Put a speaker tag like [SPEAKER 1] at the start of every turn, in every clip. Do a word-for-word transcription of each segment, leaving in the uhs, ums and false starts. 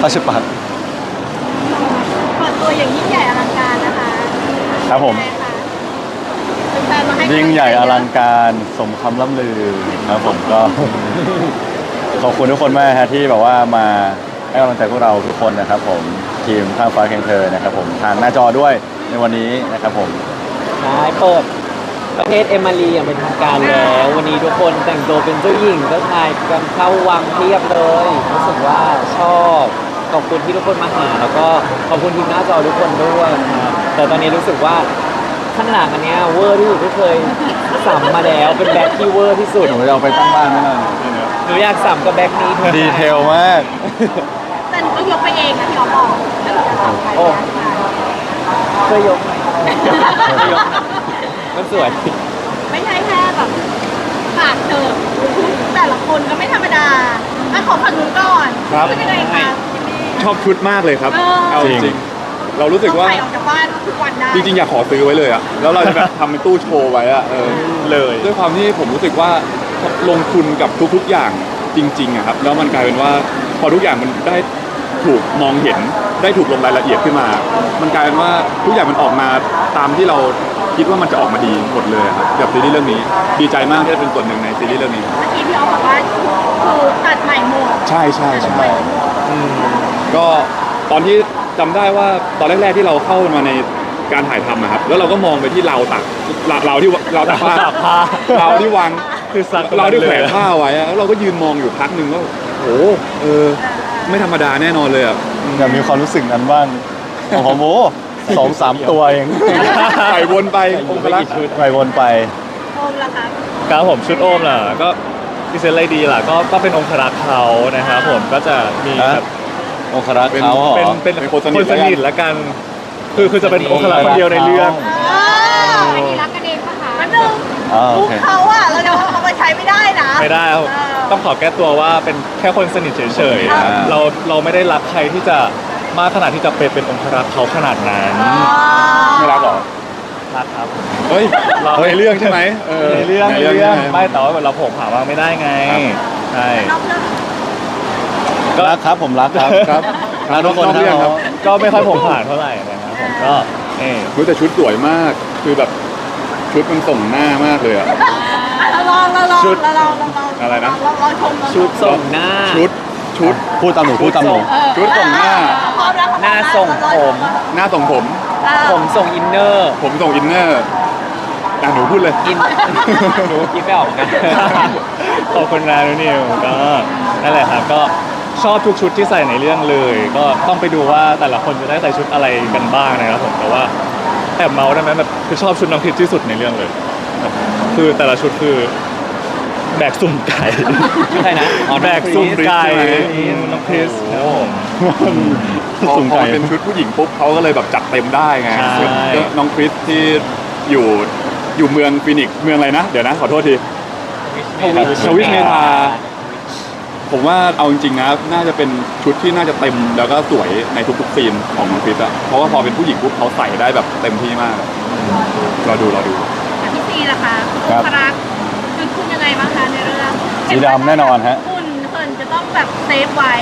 [SPEAKER 1] ราชปัตร
[SPEAKER 2] เปิดตัวอย่างยิ่งใหญ่อลังการนะคะ
[SPEAKER 1] ครับผม
[SPEAKER 2] เป็นแฟนมาให้
[SPEAKER 1] ยิ่งใหญ่อลังการสมคำล่ำลือครับผมก็ ขอบคุณทุกคนมากฮะที่แบบว่ามาให้กำลังใจพวกเราทุกคนนะครับผมทีมข้างฟ้าแข่งเธอนะครับผมทางหน้าจอด้วยในวันนี้นะครับผม
[SPEAKER 3] ใช่เปิดประเทศเอมารีอย่างเป็นทางการแล้ววันนี้ทุกคนแต่งตัวเป็นเจ้าหญิงเจ้าชายกันเข้าวังเพียบเลยรู้สึกว่าชอบขอบคุณที่ทุกคนมาหาแล้วก็ขอบคุณทีมหน้าจอทุกคนด้วยครับแต่ตอนนี้รู้สึกว่าข้างหลังอันเนี้ยเวอร์ที่สุดที่เคยสัมมาแล้วเป็นแบ็คที่เวอร์ที่สุด
[SPEAKER 1] หนูจะเอาไปตั้งบ้านไหมล่ะ
[SPEAKER 3] หนูอยากสัมกับแบ็คนี้
[SPEAKER 1] ดีเทลมาก
[SPEAKER 2] แต่หนูก็ยกไปเองนะที่เราบอกถ้าเราจะทำไป
[SPEAKER 3] โอ้ช่วยยกหน่อยช่วยยกหน่อยมันสวย
[SPEAKER 2] ไม่ใช่แค่แบบปากเธอแต่ละคนก็ไม่ธรรมดาอ่ะขอฝั่งนู้นก่อน
[SPEAKER 4] ครับ
[SPEAKER 2] เป็นยังไงคะจิมมี่
[SPEAKER 4] ชอบชุดมากเลยครับ
[SPEAKER 2] เออ
[SPEAKER 4] เอาจ
[SPEAKER 1] จริ
[SPEAKER 4] ริง
[SPEAKER 1] ง
[SPEAKER 4] ๆเรารู้สึกว่า
[SPEAKER 2] ต้องใส่ออกจากบ้านทุกวันได้
[SPEAKER 4] จริงๆอยากขอซื้อไว้เลยอะแล้วเราจะแบบทำเป็นตู้โชว์ไว้อะเออ
[SPEAKER 1] เลย
[SPEAKER 4] ด้วยความที่ผมรู้สึกว่าลงทุนกับทุกๆอย่างจริงๆอะครับแล้วมันกลายเป็นว่าพอทุกอย่างมันได้ถูกมองเห็นได้ถูกลงรายละเอียดขึ้นมา มันกลายเป็นว่าทุกอย่างมันออกมาตามที่เราคิดว่ามันจะออกมาดีหมดเลยครับกับซีรีส์เรื่องนี้ดีใจมากที่ได้เป็นส่วนหนึ่งในซีรีส์เรื่องนี้
[SPEAKER 2] เมื่อกี้พี่ออฟบอกว่าคือตัดใหม่หมด
[SPEAKER 4] ใช่ใช่
[SPEAKER 2] ตัด
[SPEAKER 4] ใช่
[SPEAKER 2] ใหม่หมด
[SPEAKER 4] อืมก็ตอนที่จำได้ว่าตอนแรกๆที่เราเข้ามาในการถ่ายทำอะครับแล้วเราก็มองไปที่ราวตักราวราวที่ราวตักผ้า
[SPEAKER 1] ผ้าร
[SPEAKER 4] าวที่วาง
[SPEAKER 1] คือสัก
[SPEAKER 4] ราวที่แขวนผ้าไว้อะแล้วเราก็ยืนมองอยู่พักหนึ่งว่าโอ้โหเออไม่ธรรมดาแน่นอนเลยอ่ะอืม
[SPEAKER 1] อยากมีความรู้สึกนั้นบ้างโอ้โหโมสองสามตัวเอง
[SPEAKER 4] ใส่วนไปองค์พระ
[SPEAKER 1] ไปวนไป
[SPEAKER 2] โอมล่ะคะ
[SPEAKER 5] ครับผมชุดโอมล่ะก็พิเศษอะไรดีล่ะก็ก็เป็นองครักษ์เขานะครับผมก็จะมี
[SPEAKER 1] ฮะ
[SPEAKER 5] แบบ
[SPEAKER 1] องครักษ์เขาเหรอ
[SPEAKER 5] เป็นเป็น
[SPEAKER 4] เป็น
[SPEAKER 5] ค
[SPEAKER 4] คน น
[SPEAKER 5] ส
[SPEAKER 4] สนิ
[SPEAKER 5] นิ
[SPEAKER 4] ท
[SPEAKER 5] ทละกัน คือคือจะเป็นองครักษ์คนเดียวในเรื่อง
[SPEAKER 2] อ้าวอันนี้รักกันเองปะคะมันหนึ่ง
[SPEAKER 1] อ่าโอ
[SPEAKER 2] มุก
[SPEAKER 1] เค
[SPEAKER 2] เขาอะเราจะเอามาใช้ไม่ได้นะ
[SPEAKER 5] ไม่ได้ครับ
[SPEAKER 2] เออ
[SPEAKER 5] ต้องขอแก้ตัวว่าเป็นแค่คนสนิทเฉย
[SPEAKER 2] อ่า
[SPEAKER 5] ๆเราเราไม่ได้รักใครที่จะมากขนาดที่จะไปเป็นองครักษ์เขาขนาดนั้น
[SPEAKER 4] ไม่รักหรอ
[SPEAKER 5] รักครับ
[SPEAKER 4] เฮ้ยในเรื่องใช่ไหมเออ
[SPEAKER 5] ในเรื่อง
[SPEAKER 4] ใน
[SPEAKER 5] ใน
[SPEAKER 4] เรื่อง
[SPEAKER 5] เรื่อง
[SPEAKER 4] ใช่ไหม
[SPEAKER 5] ไม่แต่ว่าเราโผล่ผ่าว่าไม่ได้ไง
[SPEAKER 4] ครับ
[SPEAKER 5] ใช่
[SPEAKER 2] นอกเรื่อง
[SPEAKER 1] รักครับผมรักครับ
[SPEAKER 4] ครับ
[SPEAKER 1] รักทุกคน
[SPEAKER 4] นอกเรื่อง
[SPEAKER 1] ค
[SPEAKER 4] ค
[SPEAKER 1] รั
[SPEAKER 4] รั
[SPEAKER 1] บบ
[SPEAKER 5] ก็ไม่ค่อยโผล่ผ่านเท่าไหร่นะครับผมก็เออ
[SPEAKER 4] รู้แต่ชุดสวยมากคือแบบชุดมันส่งหน้ามากเลยอ่ะ
[SPEAKER 2] อ่ะเราลองเราลอง
[SPEAKER 4] ชุด
[SPEAKER 2] เราลองเราลอง
[SPEAKER 4] อะไรนะ
[SPEAKER 2] เราลองชมเราลอง
[SPEAKER 3] ชุดส่งหน้า
[SPEAKER 4] ชุดชุด
[SPEAKER 1] พูดตามหนูพูดตามหนู
[SPEAKER 2] เออ
[SPEAKER 4] ชุดส่งหน้า
[SPEAKER 2] พร้อมแล้ว
[SPEAKER 3] หน้าส่งผม
[SPEAKER 4] หน้าส่งผม
[SPEAKER 2] เออ
[SPEAKER 3] ผมส่งอินเนอร์
[SPEAKER 4] ผมส่งอินเนอร์อ่ะหนูพูดเลย
[SPEAKER 3] อินหนูคิดไม่ออกเหมือนกัน
[SPEAKER 5] ขอบคุณนะนุนิวก็นั่นแหละครับก็ชอบทุกชุดที่ใส่ในเรื่องเลย ก็ต้องไปดูว่าแต่ละคนจะได้ใส่ชุดอะไรกันบ้างนะครับผมแต่ว่าแอบเมาส์ได้ไหมแบบคือชอบชุดน้องคริสที่สุดในเรื่องเลยแบบคือแต่ละชุดคือแบกสุ่มไก่
[SPEAKER 3] ใช่นะอ๋อ
[SPEAKER 5] แบกสุ่มไก่
[SPEAKER 4] ใช่ไหม
[SPEAKER 5] น้องคริสครับผม
[SPEAKER 4] พอ
[SPEAKER 1] สุ่ม
[SPEAKER 4] พอ
[SPEAKER 1] ไก่
[SPEAKER 4] เป็นชุดผู้หญิงปุ๊บเขาก็เลยแบบจัดเต็มได้ไง
[SPEAKER 5] ใช่
[SPEAKER 4] ส่วนน้องคริสที่อยู่อยู่เมืองฟินิกซ์เมืองอะไรนะ เดี๋ยวนะขอโทษทีชวิชเมธาผมว่าเอาจริงๆนะน่าจะเป็นชุดที่น่าจะเต็มแล้วก็สวยในทุกๆซีนของน้องคริสอะเพราะว่าพอเป็นผู้หญิงปุ๊บเขาใส่ได้แบบเต็มที่มากรอดูรอดู
[SPEAKER 2] อันที่สี่ล่ะคะ
[SPEAKER 1] ครับ
[SPEAKER 2] องครักษ์คือคุณยังไงบ้างคะในเรื่อง
[SPEAKER 1] สีดำแน่นอนฮะ
[SPEAKER 2] คุณเหินจะต้องแบบเซฟไว้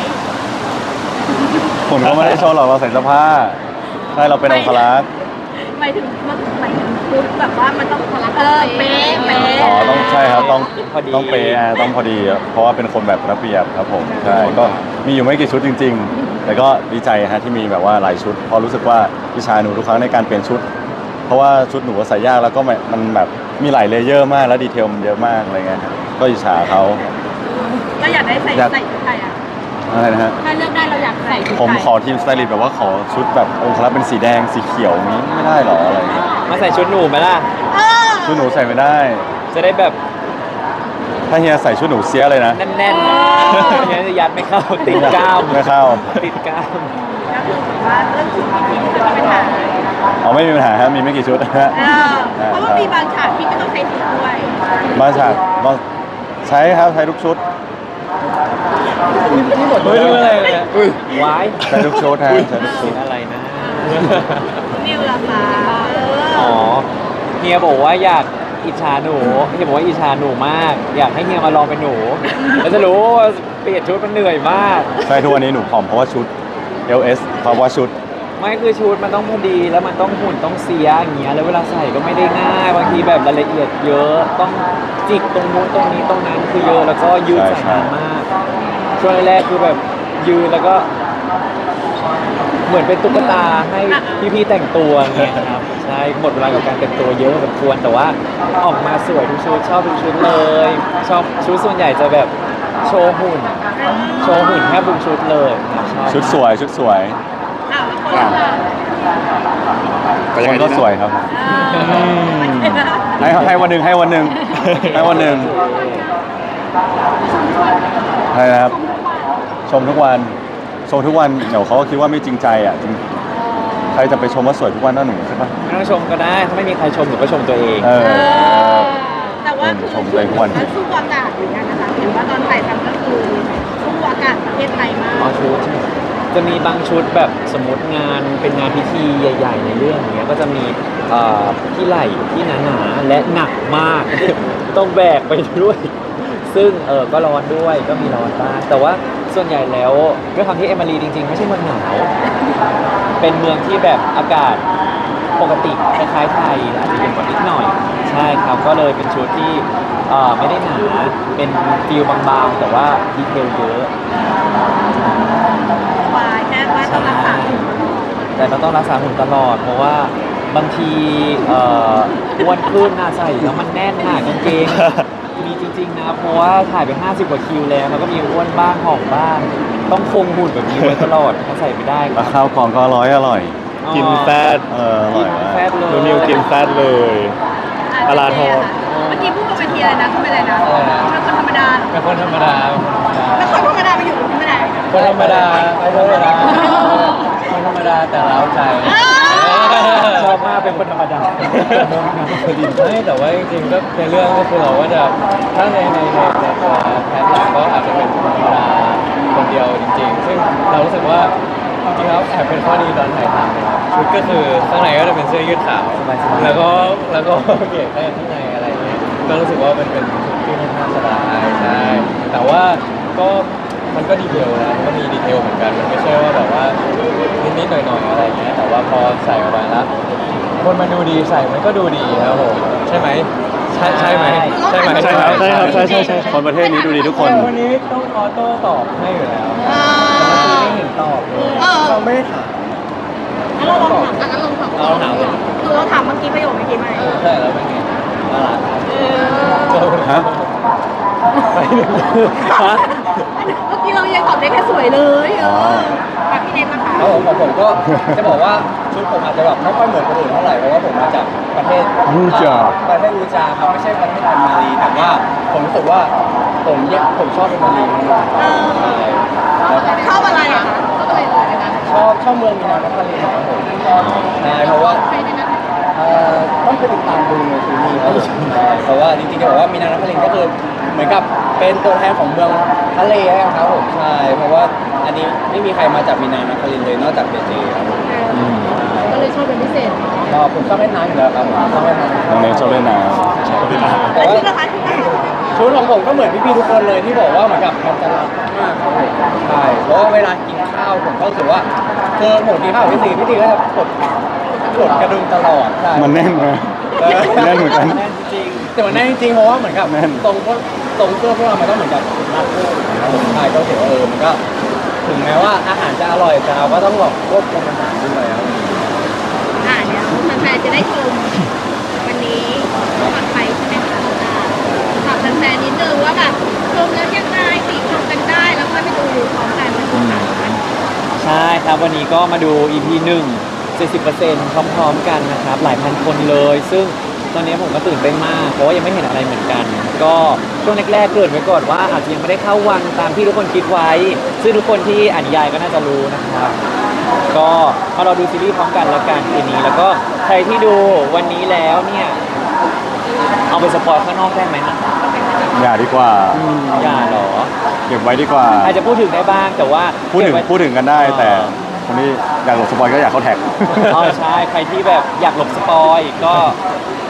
[SPEAKER 1] ผมก็ไม่ได้โชว์หรอกเราใส่เสื้อผ้าใช่เราเป็นองครักษ์
[SPEAKER 2] หมายถึงหมายถึงชุดแบบว่ามันต้องเออเป๊ะเป๊ะ
[SPEAKER 1] อ๋อต้องใช่ครับต้อง
[SPEAKER 3] พอดี
[SPEAKER 1] ต้องเปย์อ่ะต้องพอดีอะเพราะว่าเป็นคนแบบระเบียบครับผมใช่ก็มีอยู่ไม่กี่ชุดจริง ๆ แต่ก็ดีใจฮะที่มีแบบว่าหลายชุดเพราะรู้สึกว่าพี่ชายหนูทุกครั้งในการเปลี่ยนชุด เพราะว่าชุดหนูก็ใส่ยากแล้วก็แบบมันแบบมีหลายเลเยอร์มากแล้วดีเทลมันเยอะมากอะไรเงี้ยครับก็อิจฉาเขา
[SPEAKER 2] เราอยากได้ใส่
[SPEAKER 1] อยาก
[SPEAKER 2] ใส่ชุดไทยอ่ะ
[SPEAKER 1] อะไรนะฮะ
[SPEAKER 2] ถ้าเลือกได้เราอยากใส่ชุดไทย
[SPEAKER 1] ผมขอทีมสไตลิสต์แบบว่าขอชุดแบบองค์ละเป็นสีแดงสีเขียวอย่างนี้ไม่ได้หรออะไรเงี้ย
[SPEAKER 3] มาใส่ชุดหนูไหมล่ะ
[SPEAKER 2] เออ
[SPEAKER 1] ชุดหนูใส่ไม่ได้
[SPEAKER 3] จะได้แบบ
[SPEAKER 1] ถ้าเฮียใส่ชุดหนูเสียเลยนะ
[SPEAKER 3] แน่นๆเนี่ยจะยัดไม่เข้าติดกล้าม
[SPEAKER 1] ไม่เข้า
[SPEAKER 3] ติดกล้าม
[SPEAKER 2] ก็คือแบบว่าเรื่องชุดพี่พีจะมีปัญหา
[SPEAKER 1] เอาไม่มีปัญหาฮะมีไม่กี่ชุดนะฮะ
[SPEAKER 2] เออเพราะว่ามีบางฉากพี่ก็ต้องใส่ชุดด้วย
[SPEAKER 1] บางฉากบางใช้ครับใช้ทุกชุด
[SPEAKER 3] เฮ้ยอะไรเนี่ย
[SPEAKER 4] อุ้ย
[SPEAKER 3] วาย
[SPEAKER 1] ใช้ทุกชุดฮะใช้ทุกชุ
[SPEAKER 3] เสี
[SPEAKER 1] ด
[SPEAKER 3] ยงอะไรนะ
[SPEAKER 2] นิวล่ะคะเอ
[SPEAKER 3] อ๋อ
[SPEAKER 2] อ
[SPEAKER 3] เฮียบอกว่าอยากอิจฉาหนูเฮียบอกว่าอิจฉาหนูมาก อยากให้เฮียมาลองเป็นหนูแล้วจะรู้ว่าเปลี่ยนชุดมันเหนื่อยมาก
[SPEAKER 1] ใช่ทุกวันนี้หนูผอมเพราะว่าชุดเอล เอส เพราะว่าชุด
[SPEAKER 3] ไม่คือชุดมันต้องพอดีแล้วมันต้องหุ่นต้องเสียอย่างเงี้ยแล้วเวลาใส่ก็ไม่ได้ง่ายบางทีแบบรายละเอียดเยอะต้องจิกตรงนู้นตรงนี้ตรงนั้นคือเยอะแล้วก็ยืด
[SPEAKER 1] ใช่
[SPEAKER 3] ใส่นานมากช่วงแรกๆคือแบบยืนแล้วก็ เหมือนเป็นตุ๊กตาให้พี่ๆแต่งตัวเงี้ยครับใช่หมดเวลากับการแต่งตัวเยอะพอสมควรแต่ว่าออกมาสวยทุกชุดชอบทุกชุดเลยชอบชุดส่วนใหญ่จะแบบโชว์หุ่น โชว์หุ่นแทบทุกชุดเลยครับชอบ
[SPEAKER 1] ชุดสวยชุดสวย
[SPEAKER 2] อ้าวแล้วคนละ
[SPEAKER 4] แต่
[SPEAKER 1] ค
[SPEAKER 4] ยังไง
[SPEAKER 1] น
[SPEAKER 4] ดี
[SPEAKER 1] ก็
[SPEAKER 4] นะ
[SPEAKER 1] สวยครับ
[SPEAKER 2] อ่า
[SPEAKER 1] ให้ให้วันหนึ่งให้วันหนึ่งให้วันหนึ่งใช่ครับ ชมทุกวันชมทุกวันเดี๋ยวเขาก็คิดว่าไม่จริงใจอ่ะจริงใครจะไปชมว่าสวยทุกวันน่าหนูใช่ปะ
[SPEAKER 3] ไม่ต้องชมก็ได้ถ้าไม่มีใครชมหนูก็ชมตัวเอง
[SPEAKER 1] เอ
[SPEAKER 2] เอ
[SPEAKER 1] อ
[SPEAKER 2] อแต่ว่าคือ
[SPEAKER 1] ชมเลยทุกวัน
[SPEAKER 2] มันสู้อากาศเหมือนกันนะคะเห็นว่าตอนถ่ายทำก็คือสู้อากาศประเทศไทยมาก
[SPEAKER 3] อ๋อชุดใช่ไหมจะมีบางชุดแบบสมมติงานเป็นงานพิธีใหญ่ ๆ ในเรื่องอย่างเงี้ยก็จะมีเอ่อที่ไหล่ที่หนาๆและหนักมาก ต้องแบกไปด้วย ซึ่งเออก็ร้อนด้วยก็มีร้อนบ้างแต่ว่าส่วนใหญ่แล้วด้วยความที่เอมารีจริง ๆ ไม่ใช่เมืองหนาว เป็นเมืองที่แบบอากาศปกติคล้ายๆไทยอาจจะเย็นกว่านิดหน่อย ใช่ครับก็เลยเป็นชุดที่เอ่อไม่ได้หนาเป็นฟิลบางๆ แต่ว่าดีเทลเยอะ
[SPEAKER 2] สบายแค่ว่าต้องรักษาหุ่น
[SPEAKER 3] แต่เราต้องรักษาหุ่นตลอด เพราะว่าบางทีเอ่ออ้วนขึ้นน่าใส่แล้วมันแน่นหนากางเกง มีจริงๆนะเพราะว่าถ่ายไปห้าสิบกว่าคิวแล้วมันก็มีอ้วนบ้างหอมบ้าง ต้องคงหุ่นแบบนี้ไว้ตลอดถ้าใส่ไม่ได้ค
[SPEAKER 1] แล้
[SPEAKER 3] รั
[SPEAKER 1] ว
[SPEAKER 3] บ
[SPEAKER 1] ข้าวกล่องก็อร่อยอร่อย
[SPEAKER 5] กินแฟต
[SPEAKER 1] เอออร่
[SPEAKER 3] กิ
[SPEAKER 1] อย
[SPEAKER 3] น
[SPEAKER 1] มาก
[SPEAKER 3] แฟตเลย
[SPEAKER 5] นูนิวกินแฟตเลย ปลาทอด
[SPEAKER 2] เมื่อกี้พูดบนเวทีอะไรนะเขาเป็นอะไรนะเป็นคนธรรมดา
[SPEAKER 3] เป็นคนธรรมดา
[SPEAKER 2] แล้วคนธรรมดาไปอยู่ที่ไหน
[SPEAKER 3] คนธรรมดาไม่ธรรมดาคนธรรมดาแต่เร้าใจ ชอบมากเป็นคนธรรมดาไม่แต่ว่าจริงๆก็ในเรื่องก็คือเราก็จะถ้าในในในในตัวแพทย์เราก็อาจจะเป็นคนธรรมดาคนเดียวจริง ๆ ซึ่งเรารู้สึกว่าจริงๆแล้วแอบเป็นข้อดีตอนถ่ายทำชุดก็คือข้างในก็จะเป็นเสื้อยืดขาวแล้วก็แล้วก็เปลี่ยนแค่ข้างในอะไรอย่างเงี้ยก็รู้สึกว่ามันเป็นชุดที่ค่อนข้างสบายใช่แต่ว่าก็มันก็ดีเทลนะมันก็มีดีเทลเหมือนกันมันไม่ใช่ว่าแบบว่านิดๆหน่อยๆอะไรอย่างเงี้ยแต่ว่าพอใส่ออกมาแล้วคนมันดูดีใส่มันก็ดูดีครับผมใช่ไหมใช่ใช่ไหมใช่ไหม
[SPEAKER 5] ใช่ครับใช่ครับใช่ใช่ใช่
[SPEAKER 1] คนประเทศนี้ดูดีทุกคน
[SPEAKER 3] แต่วันนี้ต้องออโต้ตอบให้อยู่แล้ว
[SPEAKER 2] อ่า
[SPEAKER 3] ไม่เห็นตอบเลย
[SPEAKER 2] เออ
[SPEAKER 3] เราไม่ได้ถาม
[SPEAKER 2] งั้นเราลองถามงั้นเราลองถาม
[SPEAKER 3] เราถามเลย
[SPEAKER 2] คือเราถามเมื่อกี้ประโยคเมื่อกี้ไหม
[SPEAKER 3] ใช่แล้วเป็นไงน่ารักครับ
[SPEAKER 2] เออ
[SPEAKER 1] ฮะ
[SPEAKER 3] ไปหนึ่งฮะ
[SPEAKER 2] เมื่อกี้เรายังตอบได้แค่สวยเลยเออแบบพี่เนทนะคะ
[SPEAKER 6] ครับผมของผมก็จะบอกว่าชุดผมอาจจะแบบไม่ค่อยเหมือนคนอื่นเท่าไหร่เพราะว่าผมมาจากประเทศ
[SPEAKER 1] รูจา
[SPEAKER 6] ประเทศรูจาครับไม่ใช่ประเทศอันมารีแต่ว่าผมรู้สึกว่าผมเนี่ยผมชอบเป็นมารีมาก
[SPEAKER 2] เออ
[SPEAKER 6] ใช่แล้ว
[SPEAKER 2] ชอบอะไรอ่ะคะชอบอะไรเลยนะ
[SPEAKER 6] ชอบชอบเมืองมีนานครครับผมใช่เพราะว่า
[SPEAKER 2] ใครในนั้น
[SPEAKER 6] เอ่อต้องไปติดตามดูในซีรีส์ครับผมใช่เพราะว่าจริงๆจะบอกว่ามีนานครก็คือเหมือนกับเป็นตัวแทนของเมืองทะเลครับผมใช่เพราะว่าอันนี้ไม่มีใครมาจากมีนานครเลยนอกจากเจเจครับผม
[SPEAKER 2] ก็เลยชอบเป็นพิเศษ
[SPEAKER 6] ก็ผมชอบเล่นน้ำอยู่แล้วครับผมชอบเล่นน้ำ
[SPEAKER 1] น้องเนทชอบเล่นน้
[SPEAKER 6] แต่
[SPEAKER 2] แล้ว
[SPEAKER 6] ว่า
[SPEAKER 2] ชุดนะคะชุดนะคะ
[SPEAKER 6] ชุดของผมก็เหมือนพี่ๆทุกคนเลยที่บอกว่าเหมือนกับมันจะรักมากครับผมใช่เพราะว่าเวลากินข้าวผมก็รู้สึกว่าคือผมกินข้าวกับพี่ตีพี่ตีก็จะกดกดกระดุมตลอดใช่
[SPEAKER 1] ำมันแน่นนะ
[SPEAKER 6] เออ
[SPEAKER 1] แน่นเหมือนกัน
[SPEAKER 3] แน่นจริง
[SPEAKER 6] แต่มันแน่นจริงๆเพราะว่าเหมือนกับ
[SPEAKER 1] แน่น
[SPEAKER 6] ตรงพวกตรงเสื้อพวกเรามันก็เหมือนกับรัดเสื้อนะครับผมใช่ก็ถือว่าเออมันก็ถึงแม้ว่าอาหารจะอร่อยแต่เราก็ต้องแบบควบคุมอาหารด้วยครับ
[SPEAKER 2] อ่าเดี๋ยวแฟนๆจะได้ชมวันนี้ปลอดภัยใช่ไหมคะอ่าถามแฟนๆนิดนึงว่าแบบชมแล้วยังไงติชมกันได้แล้วค่อยไปดูพร้อมกันวันที่สามวัน
[SPEAKER 3] ใช่ครับวันนี้ก็มาดู อี พี หนึ่ง เจ็ดสิบเปอร์เซ็นต์ พร้อมๆกันนะครับ หลายพันคนเลย ซึ่งตอนนี้ผมก็ตื่นเต้นมาก เพราะว่ายังไม่เห็นอะไรเหมือนกัน ก็ช่วงแรกๆเกริ่นไว้ก่อนว่าอาจจะยังไม่ได้เข้าวังตามที่ทุกคนคิดไว้ ซึ่งทุกคนที่อ่านนิยายก็น่าจะรู้นะครับ ก็มาเราดูซีรีส์พร้อมกันแล้วกันคืนนี้ แล้วก็ใครที่ดูวันนี้แล้วเนี่ยเอาไปสปอยข้างนอกได้ไหมนะ
[SPEAKER 1] อย่าดีกว่า
[SPEAKER 3] อืมอย่าเหรอ
[SPEAKER 1] เก็บไว้ดีกว่า
[SPEAKER 3] อาจจะพูดถึงได้บ้างแต่ว่า
[SPEAKER 1] พูดถึง
[SPEAKER 3] เก็บไว้
[SPEAKER 1] พูดถึงกันได้แต่คนที่อยากหลบสปอยก็อยากเข้าแท็ก
[SPEAKER 3] อ๋อใช่ ใครที่แบบอยากหลบสปอยก็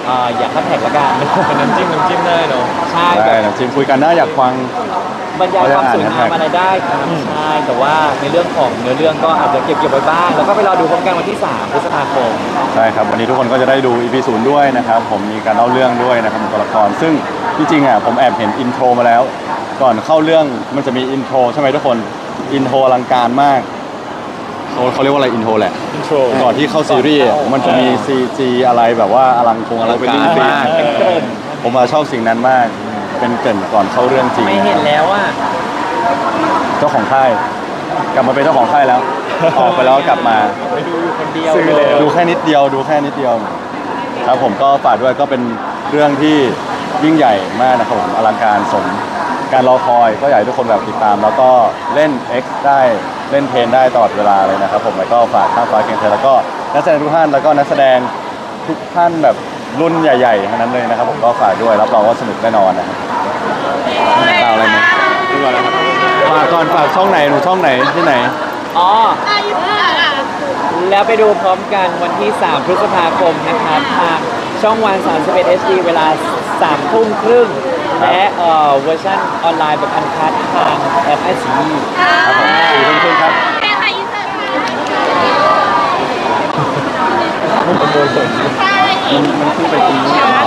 [SPEAKER 3] อ่าอย่าคัดแท็กละกัน
[SPEAKER 5] เป็นน้ำจิ้มน้ำจิ้มได้เนาะ
[SPEAKER 3] ใช่แบ
[SPEAKER 1] ได้
[SPEAKER 3] บ
[SPEAKER 1] นะจิมคุยกันได้อยากฟัง
[SPEAKER 3] บรรยายความสวยงาม
[SPEAKER 1] เขาจะอ่าน
[SPEAKER 3] อะไรได้ครับใช่แต่ว่าในเรื่องของเนื้อเรื่องก็อาจจะเก็บเก็บไว้บ้างแล้วก็ไปรอดูพร้อมกันวันที่สามพฤษภาคม
[SPEAKER 1] ใช่ครับวันนี้ทุกคนก็จะได้ดู อี พี ศูนย์ด้วยนะครับผมมีการเล่าเรื่องด้วยนะครับของตัวละครซึ่งที่จริงอ่ะผมแอบเห็นอินโทรมาแล้ว ก่อนเข้าเรื่องมันจะมีอินโทรใช่ไหมทุกคนอินโทรอลังการมากเขาเขาเรียกว่าอะไรอินโทรแหละ
[SPEAKER 5] อินโทร
[SPEAKER 1] ก่อนที่เข้าซีรีส์อ่ะมันจะมี ซี จี อะไรแบบว่าอลังคงอลังการมาก
[SPEAKER 3] เป็นเกริ่น
[SPEAKER 1] ผมมาชอบสิ่งนั้นมาก เป็นเกรินก่อนเข้าเรื่องจริง
[SPEAKER 3] ไม่เห็นแล้วอ่ะ
[SPEAKER 1] เจ้าของค่าย กลับมาเป็นเจ้าของค่ายแล้ว ออกไปแล้วก็กลับมา
[SPEAKER 3] ไปดูอยู่คนเดียว
[SPEAKER 5] ซื้อ
[SPEAKER 3] เล
[SPEAKER 5] เลย ย
[SPEAKER 1] ดูแค่นิดเดียวดูแค่นิดเดียว ครับผมก็ฝากด้วยก็เป็นเรื่องที่ยิ่งใหญ่มากนะครับผมอลังการสมการรอคอยก็อยากให้ทุกคนแบบติดตาม แล้วก็เล่น X ได้เล่นเพลนได้ตลอดเวลาเลยนะครับผมแล้วก็ฝากข้างฟ้าเคียงเธอแล้วก็นักแสดงทุกท่านแล้วก็นักแสดงทุกท่านแบบรุ่นใหญ่ๆทั้งนั้นเลยนะครับผมก็ฝากด้วยรับรองว่าสนุกแน่นอนนะครับฝากอะไรไหมฝากก่อนฝากช่องไหนหนูช่องไหนที่ไหน
[SPEAKER 3] อ๋อ
[SPEAKER 2] อายุเท่าไหร่อะ
[SPEAKER 3] แล้วไปดูพร้อมกันวันที่ สามพฤษภาคมนะครับทางช่องวัน สามสิบเอ็ด เอช ดี เวลาสามทุ่มครึ่งและเอ่อเวอร์ชันออนไลน์แบบอันคัดทางแอปไอซี
[SPEAKER 1] ครับผมสี่ทุ่มครึ่งครับ
[SPEAKER 2] แค่ใครอินเสิร์ตมาใช่
[SPEAKER 1] มันมันขึ้นไปตรงนี้